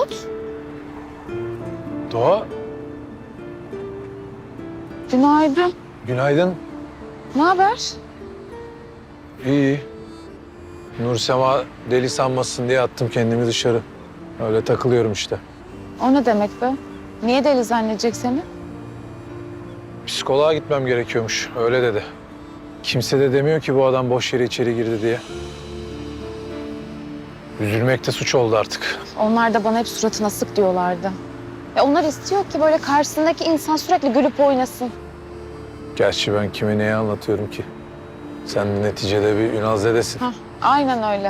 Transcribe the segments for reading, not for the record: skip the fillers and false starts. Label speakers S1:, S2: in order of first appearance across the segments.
S1: Umut.
S2: Doğa,
S1: Günaydın.
S2: günaydın.
S1: Ne haber?
S2: İyi. Nursema deli sanmasın diye attım kendimi dışarı. Öyle takılıyorum işte.
S1: O ne demek be? Niye deli zannedecek seni?
S2: Psikoloğa gitmem gerekiyormuş, öyle dedi. Kimse de demiyor ki bu adam boş yere içeri girdi diye. Üzülmek de suç oldu artık.
S1: Onlar da bana hep suratına sık diyorlardı. Onlar istiyor ki böyle karşısındaki insan sürekli gülüp oynasın.
S2: Gerçi ben kime neyi anlatıyorum ki? Sen neticede bir Ünalzedesin.
S1: Hah, aynen öyle.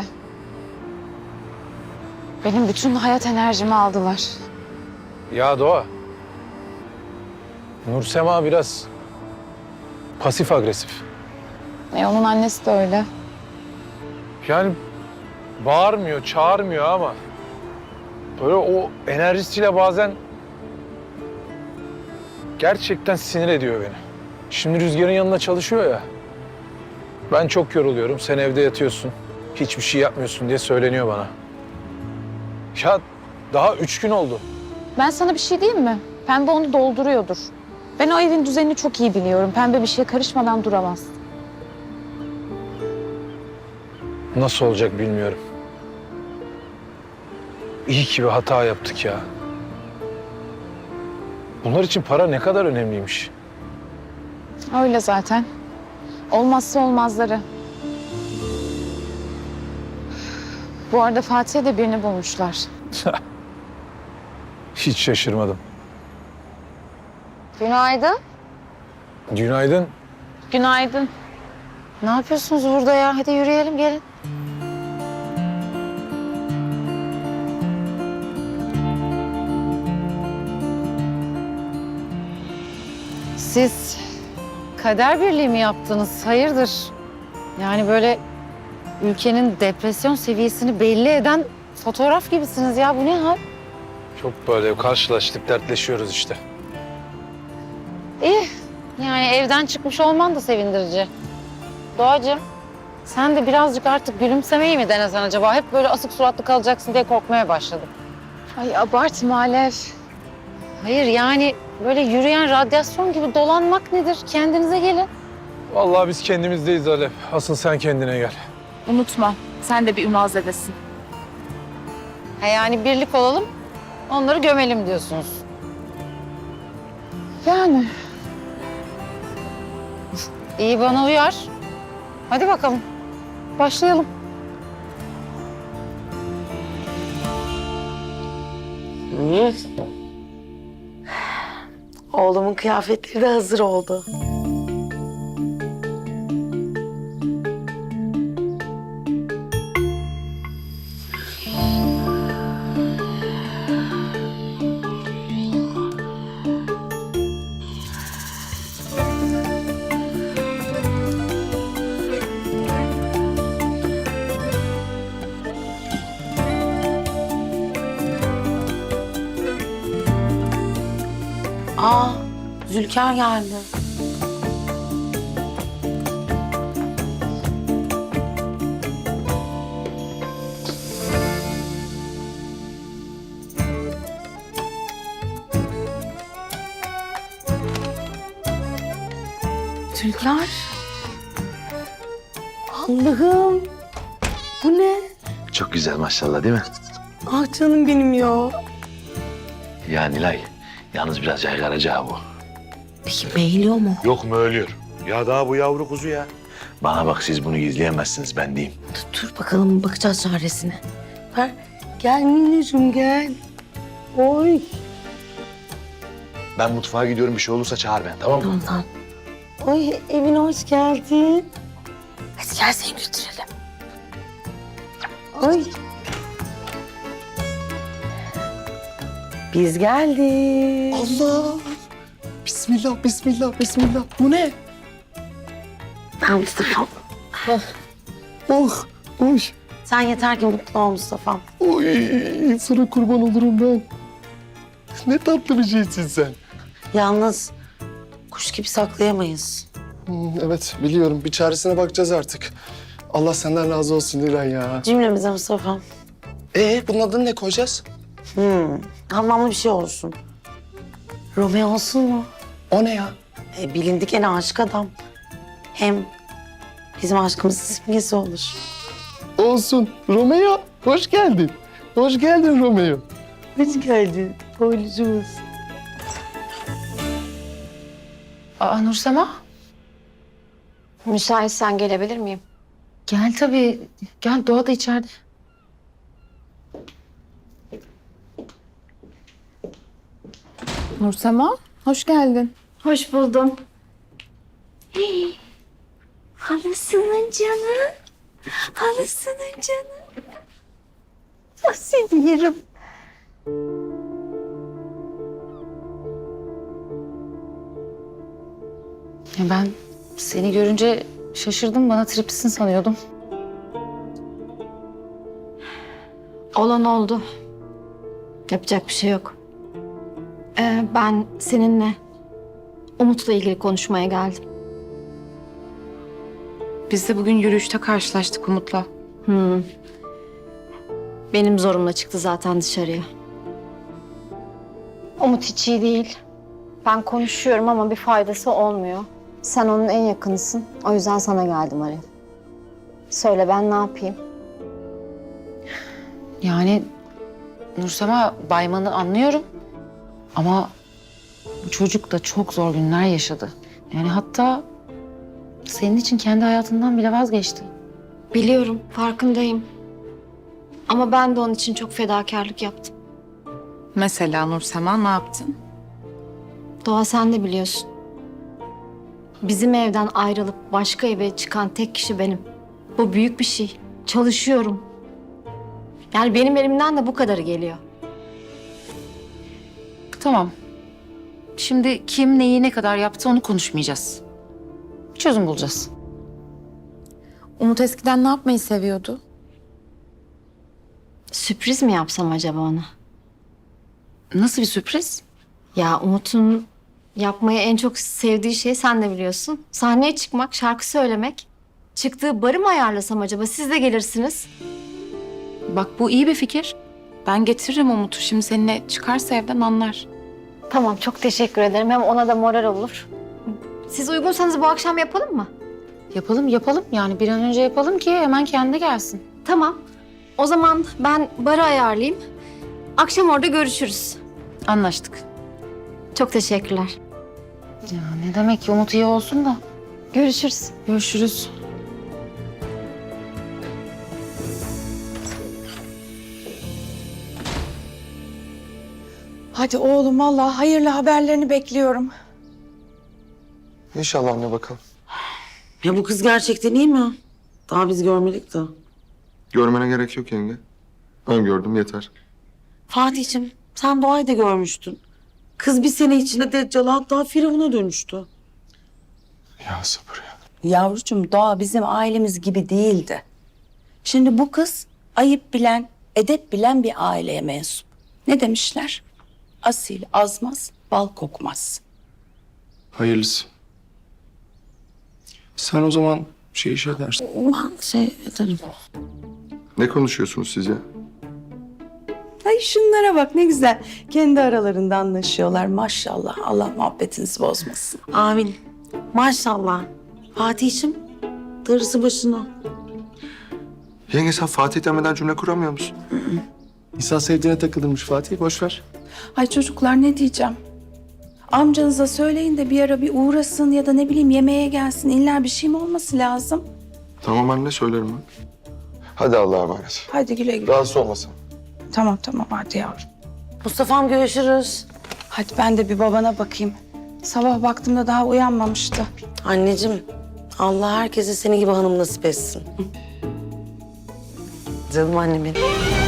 S1: Benim bütün hayat enerjimi aldılar.
S2: Ya Doğa, Nursema biraz pasif agresif.
S1: Onun annesi de öyle.
S2: Yani bağırmıyor, çağırmıyor ama böyle o enerjisiyle bazen gerçekten sinir ediyor beni. Şimdi Rüzgar'ın yanında çalışıyor ya. Ben çok yoruluyorum, sen evde yatıyorsun. Hiçbir şey yapmıyorsun diye söyleniyor bana. Ya daha 3 gün oldu.
S1: Ben sana bir şey diyeyim mi? Pembe onu dolduruyordur. Ben o evin düzenini çok iyi biliyorum. Pembe bir şeye karışmadan duramaz.
S2: Nasıl olacak bilmiyorum. İyi ki bir hata yaptık ya. Bunlar için para ne kadar önemliymiş.
S1: Öyle zaten. Olmazsa olmazları. Bu arada Fatih'e de birini bulmuşlar.
S2: Hiç şaşırmadım.
S1: Günaydın.
S2: Günaydın.
S1: Günaydın. Ne yapıyorsunuz burada ya? Hadi yürüyelim, gelin. Siz kader birliği mi yaptınız? Hayırdır? Yani böyle ülkenin depresyon seviyesini belli eden fotoğraf gibisiniz ya. Bu ne hal?
S2: Çok böyle karşılaştık, dertleşiyoruz işte.
S1: İyi. Yani evden çıkmış olman da sevindirici. Doğacığım, sen de birazcık artık gülümsemeyi mi denesen acaba? Hep böyle asık suratlı kalacaksın diye korkmaya başladım. Ay abartma Alev. Hayır yani böyle yürüyen radyasyon gibi dolanmak nedir? Kendinize gelin.
S2: Vallahi biz kendimizdeyiz Alev. Asıl sen kendine gel.
S1: Unutma, sen de bir Ünalzedesin. Yani birlik olalım, onları gömelim diyorsunuz. Yani. İyi, bana uyar. Hadi bakalım, başlayalım.
S3: Oğlumun kıyafetleri de hazır oldu. Aa, Zülker geldi. Zülker. Allah'ım. Bu ne?
S4: Çok güzel maşallah değil mi?
S3: Ah canım benim ya.
S4: Ya Nilay, yalnız biraz yaygaracağı bu.
S3: Peki meyiliyor mu?
S4: Yok mu ölüyor? Ya daha bu yavru kuzu ya. Bana bak siz bunu gizleyemezsiniz ben diyeyim.
S3: Dur bakalım bakacağız çaresine. Ver. Gel minneciğim gel. Oy.
S4: Ben mutfağa gidiyorum bir şey olursa çağır ben tamam mı?
S3: Tamam tamam. Oy evine hoş geldin. Hadi gel seni götürelim. Oy. Biz geldik.
S5: Allah! Bismillah, bismillah, bismillah. Bu ne?
S3: Ben Mustafa'm.
S5: Oh, oy,
S3: Sen yeter ki mutlu ol Mustafa'm.
S5: oy. Sana kurban olurum ben. Ne tatlı bir şeysin sen.
S3: Yalnız kuş gibi saklayamayız.
S5: Evet, biliyorum. Bir çaresine bakacağız artık. Allah senden razı olsun Nilay ya.
S3: Cümlemize Mustafa'm.
S5: Bunun adını ne koyacağız?
S3: Anlamlı bir şey olsun. Romeo olsun mu?
S5: O ne ya?
S3: Bilindik en aşık adam. Hem bizim aşkımızın simgesi olur.
S5: Olsun. Romeo, hoş geldin. Hoş geldin Romeo.
S3: Hoş geldin. Boylucumuz.
S1: Aa Nursema.
S6: Müsaitsen gelebilir miyim?
S1: Gel tabii. Gel, Doğa da içeride.
S6: Nursema, hoş geldin. Hoş buldum. Halasının canı. Halasının canı.
S3: Seni yerim.
S1: Ya ben seni görünce şaşırdım. Bana tripsin sanıyordum.
S6: Olan oldu. Yapacak bir şey yok. Ben seninle Umut'la ilgili konuşmaya geldim.
S7: Biz de bugün yürüyüşte karşılaştık Umut'la.
S6: Benim zorumla çıktı zaten dışarıya. Umut hiç iyi değil. Ben konuşuyorum ama bir faydası olmuyor. Sen onun en yakınısın. O yüzden sana geldim Arif. Söyle ben ne yapayım?
S1: Yani Nursema, Bayman'ı anlıyorum. Ama bu çocuk da çok zor günler yaşadı. Yani hatta senin için kendi hayatından bile vazgeçti.
S6: Biliyorum, farkındayım. Ama ben de onun için çok fedakarlık yaptım.
S7: Mesela Nursema ne yaptın?
S6: Doğa sen de biliyorsun. Bizim evden ayrılıp başka eve çıkan tek kişi benim. Bu büyük bir şey. Çalışıyorum. Yani benim elimden de bu kadarı geliyor.
S1: Tamam. Şimdi kim neyi ne kadar yaptı onu konuşmayacağız. Bir çözüm bulacağız.
S7: Umut eskiden ne yapmayı seviyordu?
S6: Sürpriz mi yapsam acaba ona?
S1: Nasıl bir sürpriz?
S6: Ya Umut'un yapmayı en çok sevdiği şey sen de biliyorsun. Sahneye çıkmak, şarkı söylemek. Çıktığı barı mı ayarlasam acaba? Siz de gelirsiniz.
S7: Bak bu iyi bir fikir. Ben getiririm Umut'u. Şimdi seninle çıkarsa evden anlar.
S6: Tamam, çok teşekkür ederim. Hem ona da moral olur. Siz uygunsanız bu akşam yapalım mı?
S1: Yapalım yapalım. Yani bir an önce yapalım ki hemen kendi gelsin.
S6: Tamam. O zaman ben barı ayarlayayım. Akşam orada görüşürüz.
S1: Anlaştık.
S6: Çok teşekkürler.
S1: Ya ne demek ki Umut iyi olsun da.
S6: Görüşürüz.
S1: Görüşürüz.
S8: Hadi oğlum vallahi hayırlı haberlerini bekliyorum.
S5: İnşallah anne bakalım.
S3: Ya bu kız gerçekten iyi mi? Daha biz görmedik de.
S5: Görmene gerek yok yenge. Ben gördüm yeter.
S3: Fatih'ciğim sen Doğa'yı da görmüştün. Kız bir sene içinde Deccal'a hatta Firavun'a dönüştü.
S5: Ya sabır ya.
S8: Yavrucuğum Doğa bizim ailemiz gibi değildi. Şimdi bu kız ayıp bilen, edep bilen bir aileye mensup. Ne demişler? Asil azmaz, bal kokmaz.
S5: Hayırlısı. Sen o zaman iş edersin.
S3: Ben şey ederim.
S5: Ne konuşuyorsunuz siz ya?
S8: Ay şunlara bak ne güzel. Kendi aralarında anlaşıyorlar maşallah. Allah muhabbetinizi bozmasın.
S3: Amin. Maşallah. Fatih'ciğim darısı başına.
S5: Yenge sen Fatih demeden cümle kuramıyor musun? İnsan sevdiğine takılırmış Fatih. Boş ver.
S8: Ay çocuklar ne diyeceğim? Amcanıza söyleyin de bir ara bir uğrasın ya da ne bileyim yemeğe gelsin. İlla bir şey mi olması lazım?
S5: Tamam anne söylerim ben. Hadi Allah'a emanet.
S8: Hadi güle güle.
S5: Rahatsız olmasın.
S8: Tamam hadi yavrum.
S3: Mustafa'm görüşürüz.
S8: Hadi ben de bir babana bakayım. Sabah baktığımda daha uyanmamıştı.
S3: Anneciğim Allah herkese senin gibi hanım nasip etsin. Canım annem benim.